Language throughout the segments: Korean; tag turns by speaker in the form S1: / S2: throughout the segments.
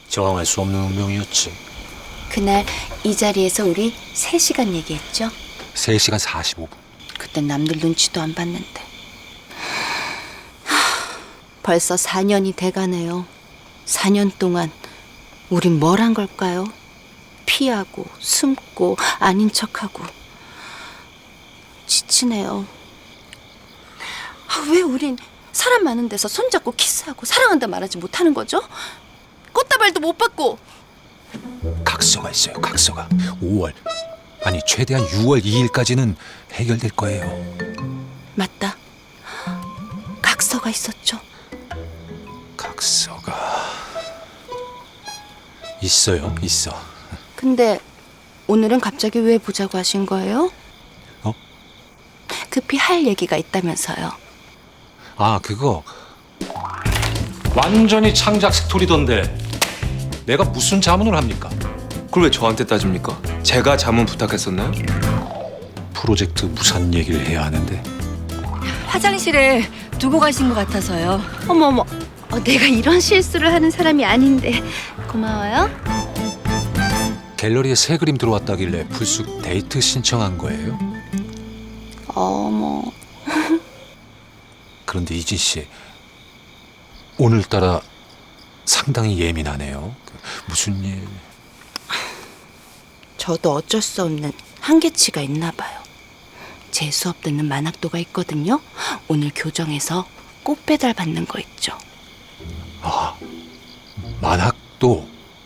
S1: 저항할 수 없는 운명이었지.
S2: 그날 이 자리에서 우리 3시간 얘기했죠.
S1: 3시간 45분.
S2: 그땐 남들 눈치도 안 봤는데. 벌써 4년이 돼가네요. 4년 동안 우린 뭘 한 걸까요? 피하고 숨고 아닌 척하고. 지치네요. 왜 우린 사람 많은 데서 손잡고 키스하고 사랑한다 말하지 못하는 거죠? 꽃다발도 못 받고.
S1: 각서가 있어요. 각서가 5월 아니 최대한 6월 2일까지는 해결될 거예요.
S2: 맞다. 각서가 있었죠.
S1: 각서가 있어요. 있어.
S2: 근데 오늘은 갑자기 왜 보자고 하신 거예요?
S1: 어?
S2: 급히 할 얘기가 있다면서요.
S1: 아 그거 완전히 창작 스토리던데 내가 무슨 자문을 합니까?
S3: 그걸 왜 저한테 따집니까? 제가 자문 부탁했었나요?
S1: 프로젝트 무산 얘기를 해야 하는데.
S4: 화장실에 두고 가신 것 같아서요.
S2: 어머어머, 내가 이런 실수를 하는 사람이 아닌데. 고마워요.
S1: 갤러리에 새 그림 들어왔다길래 불쑥 데이트 신청한 거예요.
S2: 어머,
S1: 그런데 이진 씨 오늘따라 상당히 예민하네요. 무슨 일?
S2: 저도 어쩔 수 없는 한계치가 있나 봐요. 제 수업 듣는 만학도가 있거든요. 오늘 교정에서 꽃 배달 받는 거 있죠.
S1: 아 만학도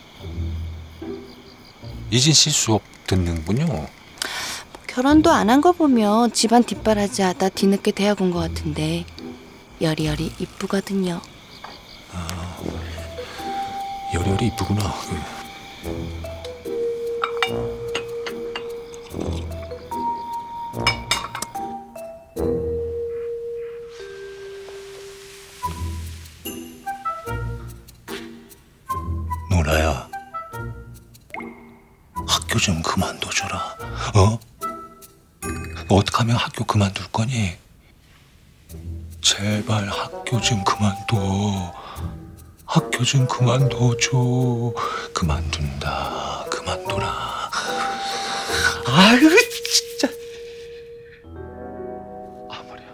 S1: 이진 씨 수업 듣는군요.
S2: 결혼도 안 한 거 보면 집안 뒷바라지 하다 뒤늦게 대학 온 거 같은데 여리여리 이쁘거든요.
S1: 여리여리 이쁘구나. 노라야, 학교 좀 그만둬줘라. 어? 어떻게 하면 학교 그만둘 거니? 제발 학교 좀 그만둬. 학교 좀 그만둬줘. 그만둔다. 그만둬라. 아유 진짜. 아 머리야.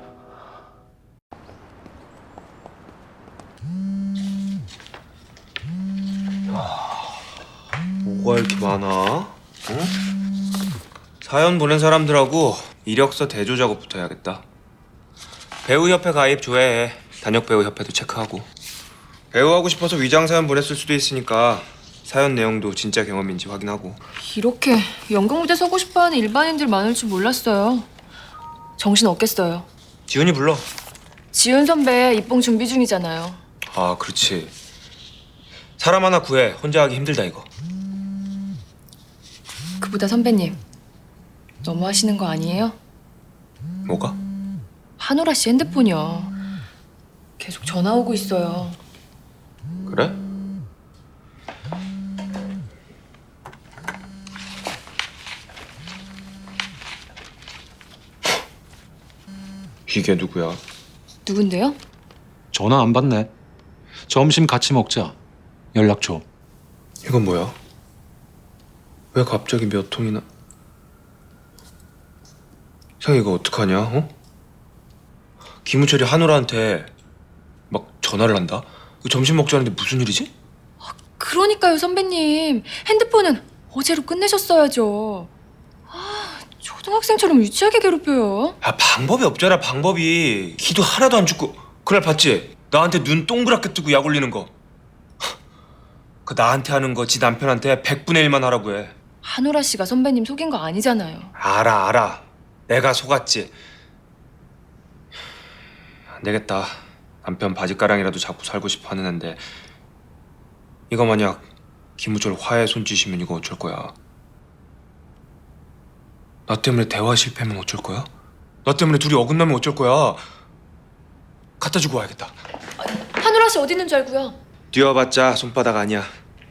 S3: 뭐가 이렇게 많아? 응? 사연 보낸 사람들하고 이력서 대조 작업부터 해야겠다. 배우협회 가입 조회해. 단역배우협회도 체크하고. 배우하고 싶어서 위장 사연 보냈을 수도 있으니까 사연 내용도 진짜 경험인지 확인하고.
S4: 이렇게 연극무대 서고 싶어하는 일반인들 많을 줄 몰랐어요. 정신 없겠어요.
S3: 지훈이 불러.
S4: 지훈 선배 입봉 준비 중이잖아요.
S3: 아 그렇지. 사람 하나 구해. 혼자 하기 힘들다 이거.
S4: 그보다 선배님, 너무 하시는 거 아니에요?
S3: 뭐가?
S4: 한오라 씨 핸드폰이요. 계속 전화 오고 있어요.
S3: 그래? 이게 누구야?
S4: 누군데요?
S1: 전화 안 받네. 점심 같이 먹자. 연락 줘.
S3: 이건 뭐야? 왜 갑자기 몇 통이나? 형 이거 어떡하냐? 어? 김우철이 한우라한테 막 전화를 한다? 이거 점심 먹자는데 무슨 일이지?
S4: 그러니까요, 선배님. 핸드폰은 어제로 끝내셨어야죠. 초등학생처럼 유치하게 괴롭혀요.
S3: 아 방법이 없잖아 방법이. 기도 하나도 안 죽고. 그날 봤지? 나한테 눈 동그랗게 뜨고 약 올리는 거. 그 나한테 하는 거 지 남편한테 100분의 1만 하라고 해.
S4: 한오라 씨가 선배님 속인 거 아니잖아요.
S3: 알아. 내가 속았지. 안 되겠다. 남편 바지가랑이라도 잡고 살고 싶어 하는 앤데 이거 만약 김우철 화해 손짓이면 이거 어쩔 거야? 나 때문에 대화 실패하면 어쩔 거야? 나 때문에 둘이 어긋나면 어쩔 거야? 갖다 주고 와야겠다.
S4: 한오라 씨 어디 있는 줄 알고요.
S3: 뛰어봤자 손바닥 아니야.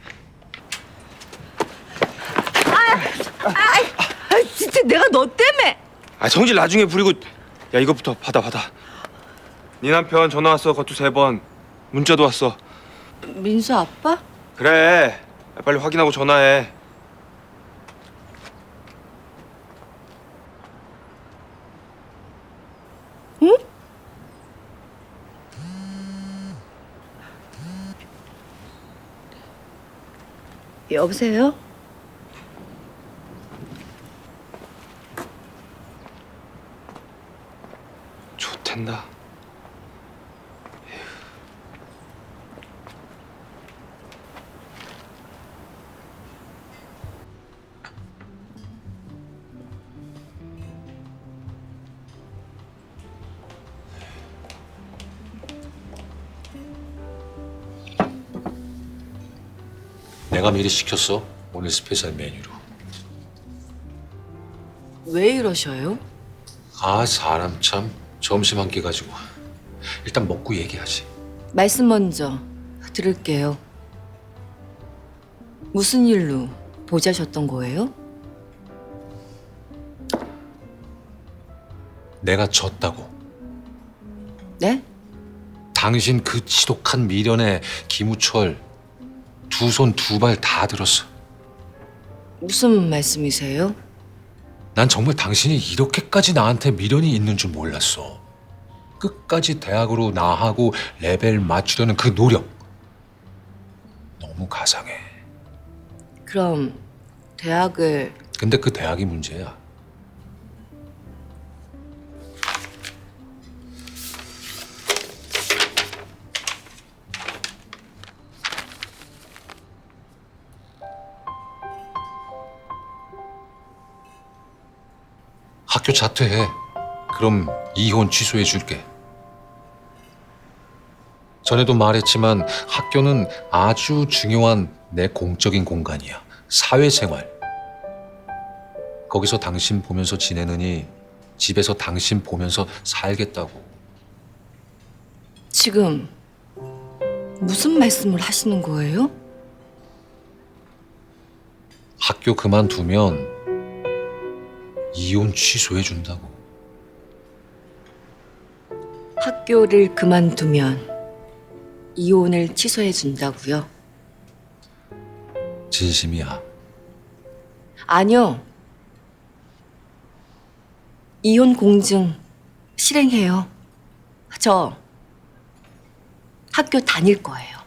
S2: 진짜 내가 너 때문에.
S3: 아 성질 나중에 부리고. 야 이것부터 받아. 네 남편 전화 왔어. 그것도 3번. 문자도 왔어.
S2: 민수 아빠?
S3: 그래. 빨리 확인하고 전화해.
S2: 여보세요?
S3: 좋텐다.
S1: 내가 미리 시켰어. 오늘 스페셜 메뉴로.
S2: 왜 이러셔요?
S1: 아, 사람 참. 점심 한 끼 가지고. 일단 먹고 얘기하지.
S5: 말씀 먼저 들을게요. 무슨 일로 보자셨던 거예요?
S1: 내가 졌다고.
S5: 네?
S1: 당신 그 지독한 미련에 김우철 두 손 두 발 다 들었어.
S5: 무슨 말씀이세요?
S1: 난 정말 당신이 이렇게까지 나한테 미련이 있는 줄 몰랐어. 끝까지 대학으로 나하고 레벨 맞추려는 그 노력. 너무 가상해.
S5: 그럼 대학을
S1: 근데 그 대학이 문제야. 학교 자퇴해. 그럼 이혼 취소해 줄게. 전에도 말했지만 학교는 아주 중요한 내 공적인 공간이야. 사회생활. 거기서 당신 보면서 지내느니 집에서 당신 보면서 살겠다고.
S5: 지금 무슨 말씀을 하시는 거예요?
S1: 학교 그만두면 이혼 취소해 준다고.
S5: 학교를 그만두면 이혼을 취소해 준다고요?
S1: 진심이야.
S5: 아니요. 이혼 공증 실행해요. 저 학교 다닐 거예요.